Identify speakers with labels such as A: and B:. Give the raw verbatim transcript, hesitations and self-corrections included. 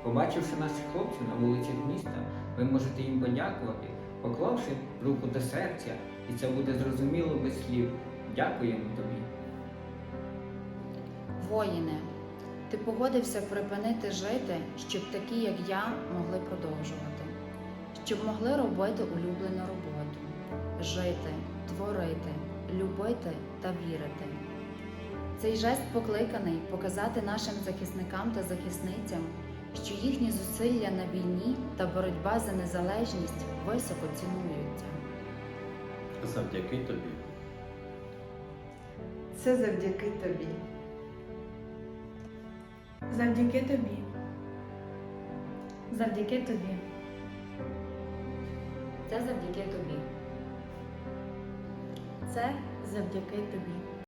A: Побачивши наших хлопців на вулицях міста, ви можете їм подякувати, поклавши руку до серця, і це буде зрозуміло без слів. Дякуємо тобі.
B: Воїне, ти погодився припинити жити, щоб такі, як я, могли продовжувати, щоб могли робити улюблену роботу, жити, творити, любити та вірити. Цей жест покликаний показати нашим захисникам та захисницям, що їхні зусилля на війні та боротьба за незалежність високо цінуються.
C: Завдяки тобі.
D: Це завдяки тобі.
E: Завдяки тобі.
F: Завдяки тобі.
B: Це завдяки тобі.
E: Це завдяки тобі.